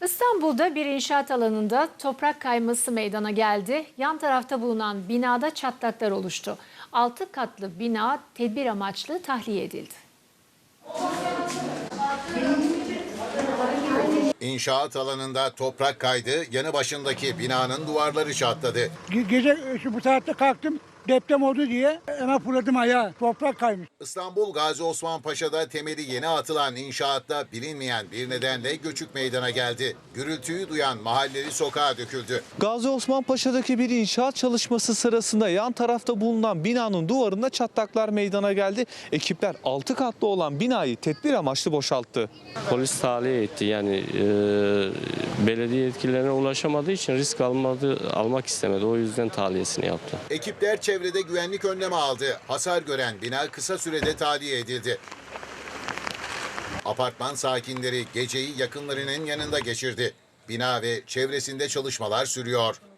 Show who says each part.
Speaker 1: İstanbul'da bir inşaat alanında toprak kayması meydana geldi. Yan tarafta bulunan binada çatlaklar oluştu. 6 katlı bina tedbir amaçlı tahliye edildi.
Speaker 2: İnşaat alanında toprak kaydı, yanı başındaki binanın duvarları çatladı.
Speaker 3: Gece bu saatte kalktım, deprem oldu diye hemen fırladım ayağa. Toprak kaymış.
Speaker 2: İstanbul Gazi Osman Paşa'da temeli yeni atılan inşaatta bilinmeyen bir nedenle göçük meydana geldi. Gürültüyü duyan mahalleli sokağa döküldü.
Speaker 4: Gazi Osman Paşa'daki bir inşaat çalışması sırasında yan tarafta bulunan binanın duvarında çatlaklar meydana geldi. Ekipler 6 katlı olan binayı tedbir amaçlı boşalttı.
Speaker 5: Polis tahliye etti, yani belediye yetkililerine ulaşamadığı için risk almak istemedi. O yüzden tahliyesini yaptı.
Speaker 2: Ekipler çevrede güvenlik önlemi aldı. Hasar gören bina kısa sürede tahliye edildi. Apartman sakinleri geceyi yakınlarının yanında geçirdi. Bina ve çevresinde çalışmalar sürüyor.